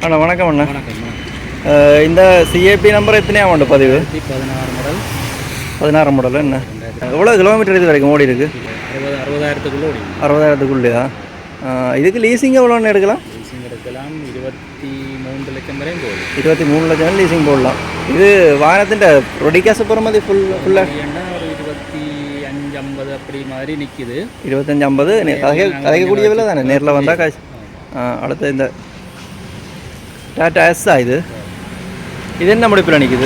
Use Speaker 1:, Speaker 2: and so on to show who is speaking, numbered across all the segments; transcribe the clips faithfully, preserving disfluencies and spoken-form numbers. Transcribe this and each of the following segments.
Speaker 1: அண்ணா வணக்கம் அண்ணா.
Speaker 2: வணக்கம்.
Speaker 1: இந்த சிஏபி நம்பர் எத்தனையாம் உண்டு பதிவு?
Speaker 2: பதினாறு மாடல்.
Speaker 1: பதினாறு மாடல் என்ன? எவ்வளோ கிலோமீட்டர் இது வரைக்கும் ஓடி இருக்குது?
Speaker 2: அறுபது அறுபதாயிரத்துக்குள்ளே ஓடி.
Speaker 1: அறுபதாயிரத்துக்குள்ளேயா? இதுக்கு லீசிங் எவ்வளோன்னு எடுக்கலாம்?
Speaker 2: லீசிங் எடுக்கலாம் இருபத்தி மூன்று லட்சம் வரையும் போகுது.
Speaker 1: இருபத்தி மூணு லட்சம் லீசிங் போடலாம். இது வாகனத்தின் ரொடி காசு போகிற மாதிரி ஃபுல் ஃபுல்லாக
Speaker 2: ஒரு இருபத்தி அஞ்சு ஐம்பது அப்படி மாதிரி நிற்கிது.
Speaker 1: இருபத்தஞ்சி ஐம்பது கதைக்க கதைக்கக்கூடிய விலை தானே, நேரில் வந்தால் காசு. அடுத்து இந்த டாட்டா எஸ்ஸா இது இது என்ன முடிப்பில் நிற்குது?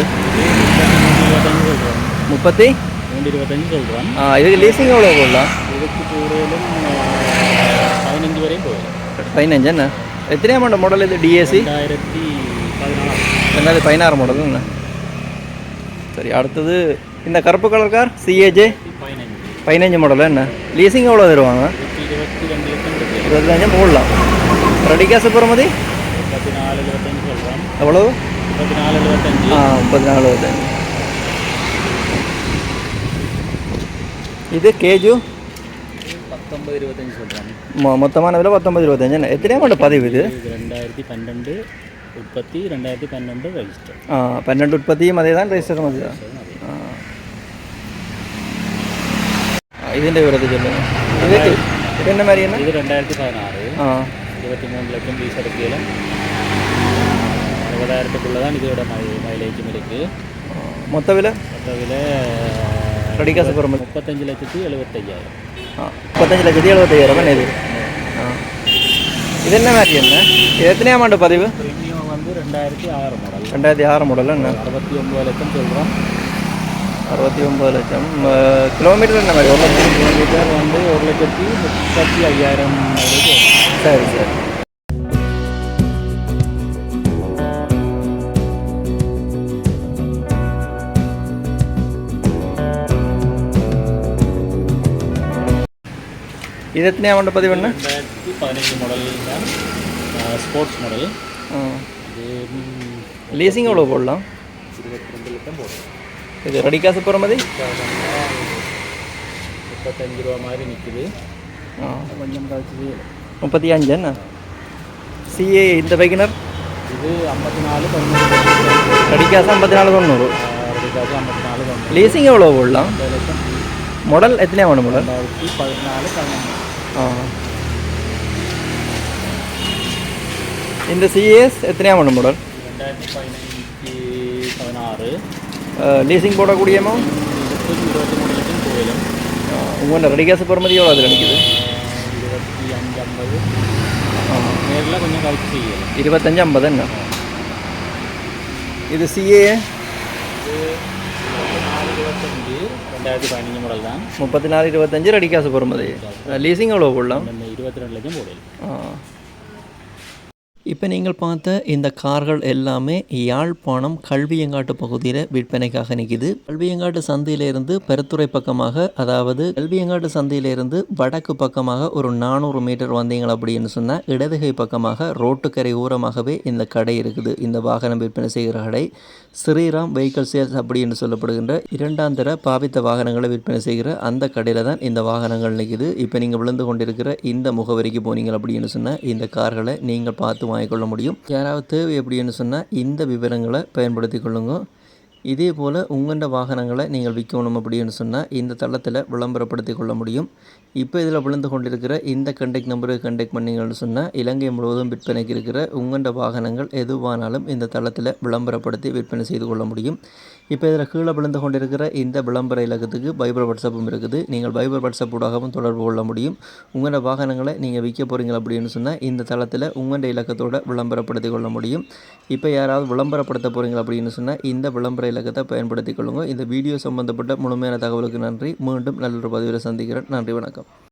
Speaker 1: முப்பத்தி
Speaker 2: மூணு இருபத்தஞ்சு சொல்கிறோம்.
Speaker 1: ஆ இதுக்கு லீசிங் எவ்வளோ போடலாம்?
Speaker 2: இதுக்கு கூடுதலும் பதினஞ்சு வரையும் போகுது.
Speaker 1: பதினஞ்சு என்ன? எத்தனையாம் ஆண்டு மாடல் இது? டிஏசி
Speaker 2: ரெண்டாயிரத்தி பதினாறு
Speaker 1: ரெண்டாயிரத்தி பதினாறு மாடல் என்ன? சரி, அடுத்தது இந்த கருப்பு கலர் கார் சிஏஜே
Speaker 2: பதினஞ்சு
Speaker 1: பதினஞ்சு மாடல் என்ன? லீசிங் எவ்வளோ தருவாங்க?
Speaker 2: இருபத்தி ரெண்டு லட்சம்
Speaker 1: இருபத்தஞ்சம் போடலாம். ரெடி காசு போகிற மாதிரி
Speaker 2: முப்பத்தி நாலு இருபத்தஞ்சு சொல்கிறோம்.
Speaker 1: எவ்வளோ?
Speaker 2: முப்பத்தி நாலு இருபத்தஞ்சு.
Speaker 1: ஆ முப்பத்தி நாலு இருபத்தஞ்சு. இது கேஜு
Speaker 2: பத்தொம்பது இருபத்தஞ்சு சொல்கிறோம்.
Speaker 1: மொ மொத்தமான விலை பத்தொம்பது இருபத்தஞ்சு என்ன? எத்தனையாம் ஆண்டு பதிவு இது?
Speaker 2: ரெண்டாயிரத்தி பன்னெண்டு உற்பத்தி, ரெண்டாயிரத்தி பன்னெண்டு ரெஜிஸ்டர்.
Speaker 1: ஆ பன்னெண்டு உற்பத்தியும் அதே தான், ரெஜிஸ்டரும் அதே தான். ഇതിൻ്റെ വിവരത്തിൽ சொல்லுங்கள். ഇത് ഇത് என்ன மாதிரி என்ன?
Speaker 2: இது ரெண்டாயிரத்தி பதினாறு.
Speaker 1: ஆ
Speaker 2: இருபத்தி மூணு லட்சம் பீஸ் எடுக்கையில் அறுபதாயிரத்துக்குள்ளே தான் இதோட மை மைலேஜும் இருக்குது.
Speaker 1: மொத்த விலை
Speaker 2: மொத்த விலை
Speaker 1: ரெடி காசு போகிற மாதிரி
Speaker 2: முப்பத்தஞ்சு லட்சத்தி எழுபத்தையாயிரம்.
Speaker 1: ஆ முப்பத்தஞ்சு லட்சத்தி எழுபத்தையாயிரம் என்ன இது? ஆ இது என்ன மாதிரி என்ன? இது எத்தனையாம் ஆண்டு பதிவு?
Speaker 2: ப்ரீமியம் வந்து ரெண்டாயிரத்தி ஆறு மாடல்.
Speaker 1: ரெண்டாயிரத்தி ஆறு மாடல் என்ன?
Speaker 2: அறுபத்தி ஒம்பது லட்சம் சொல்கிறோம்.
Speaker 1: அறுபத்தி ஒம்பது லட்சம். கிலோமீட்டர் என்ன மாதிரி? ஒரு லட்சம்
Speaker 2: கிலோமீட்டர் வந்து ஒரு லட்சத்தி முப்பத்தி ஐயாயிரம்.
Speaker 1: சரி சரி. இது எத்தனையாம் ஆண்டு பதிவு என்ன?
Speaker 2: ரெண்டாயிரத்தி பதினஞ்சு மாடல் தான், ஸ்போர்ட்ஸ் மாடல். இது
Speaker 1: லீசிங் எவ்வளோ போடலாம்?
Speaker 2: இருபத்தி ரெண்டு லட்சம் போடலாம்.
Speaker 1: இது ரெடி காசு போகிற மாதிரி
Speaker 2: முப்பத்தஞ்சு ரூபா மாதிரி நிற்குது.
Speaker 1: ஆ
Speaker 2: கொஞ்சம் கழிச்சு
Speaker 1: முப்பத்தி அஞ்சு என்ன? சிஏ இந்த பைக்கினர்
Speaker 2: இது ஐம்பத்தி நாலு தொண்ணூறு.
Speaker 1: ரெடி காசு ஐம்பத்தி நாலு தொண்ணூறு.
Speaker 2: ரெடி காசு ஐம்பத்தி நாலு தொண்ணூறு.
Speaker 1: லீசிங் எவ்வளோ போடலாம்?
Speaker 2: ரெண்டு லட்சம்.
Speaker 1: மாடல் எத்தனையா வேணும் மாடல்?
Speaker 2: ரெண்டாயிரத்தி பதினாலு பதினொன்று.
Speaker 1: ஆ இந்த சிஏஎஸ் எத்தனையா வேணும் மாடல்?
Speaker 2: ரெண்டாயிரத்தி பதினஞ்சு பதினாறு.
Speaker 1: லீசிங் போடக்கூடியமோ
Speaker 2: இருபத்தி இருபத்தி மூணு லட்சம் கோயிலும்.
Speaker 1: உங்கள் ரெடி காசு போகிற மாதிரி எவ்வளோ அதில் நிற்கிது?
Speaker 2: இருபத்தி அஞ்சு ஐம்பது. நேரில் கொஞ்சம் கழிச்சு செய்யலாம்.
Speaker 1: இருபத்தஞ்சு ஐம்பது என்ன? இது சிஏ
Speaker 2: நாலு இருபத்தஞ்சு ரெண்டாயிரத்தி பதினஞ்சு மாடல் தான்.
Speaker 1: முப்பத்தி நாலு இருபத்தஞ்சு ரெடி காசு போகிற மாதிரி. லீசிங் எவ்வளோ போடலாம்?
Speaker 2: இருபத்தி ரெண்டு லட்சம் போடலாம்.
Speaker 1: ஆ இப்போ நீங்கள் பார்த்த இந்த கார்கள் எல்லாமே யாழ்ப்பாணம் கல்வியங்காட்டு பகுதியில் விற்பனைக்காக நிற்கிது. கல்வியங்காட்டு சந்தையிலிருந்து பெருத்துறை பக்கமாக, அதாவது கல்வியங்காட்டு சந்தையிலிருந்து வடக்கு பக்கமாக ஒரு நானூறு மீட்டர் வந்தீங்க அப்படின்னு சொன்னால் இடதுகை பக்கமாக ரோட்டுக்கரை ஓரமாகவே இந்த கடை இருக்குது. இந்த வாகனம் விற்பனை செய்கிற கடை ஸ்ரீராம் வெஹிக்கிள் சேல்ஸ் அப்படின்னு சொல்லப்படுகின்ற இரண்டாம் தர பாவித்த வாகனங்களை விற்பனை செய்கிற அந்த கடையில் தான் இந்த வாகனங்கள் நிற்கிது. இப்போ நீங்கள் விழுந்து கொண்டிருக்கிற இந்த முகவரிக்கு போனீங்க அப்படின்னு சொன்னால் இந்த கார்களை நீங்கள் பார்த்து வாங்கிக்கொள்ள முடியும். யாராவது தேவை அப்படின்னு சொன்னால் இந்த விவரங்களை பயன்படுத்தி கொள்ளுங்க. இதே போல் உங்களோட வாகனங்களை நீங்கள் விற்கணும் அப்படின்னு சொன்னால் இந்த தளத்தில் விளம்பரப்படுத்தி கொள்ள முடியும். இப்போ இதில் விழுந்து கொண்டிருக்கிற இந்த கண்டெக்ட் நம்பருக்கு கண்டெக்ட் பண்ணிங்கன்னு சொன்னால் இலங்கை முழுவதும் விற்பனைக்கு இருக்கிற உங்களோட வாகனங்கள் எதுவானாலும் இந்த தளத்தில் விளம்பரப்படுத்தி விற்பனை செய்து கொள்ள முடியும். இப்போ இதில் கீழே விழுந்து கொண்டிருக்கிற இந்த விளம்பர இலக்கத்துக்கு பைபர் வாட்ஸ்அப்பும் இருக்குது. நீங்கள் பைபர் வாட்ஸ்அப் ஊடாகவும் தொடர்பு கொள்ள முடியும். உங்களோட வாகனங்களை நீங்கள் விற்க போகிறீங்க அப்படின்னு சொன்னால் இந்த தளத்தில் உங்களோட இலக்கத்தோடு விளம்பரப்படுத்தி கொள்ள முடியும். இப்போ யாராவது விளம்பரப்படுத்த போகிறீங்க அப்படின்னு சொன்னால் இந்த விளம்பர இலக்கத்தை பயன்படுத்தி கொள்ளுங்கள். இந்த வீடியோ சம்பந்தப்பட்ட முழுமையான தகவலுக்கு நன்றி. மீண்டும் நல்ல ஒரு பதிவில் சந்திக்கிறேன். நன்றி, வணக்கம்.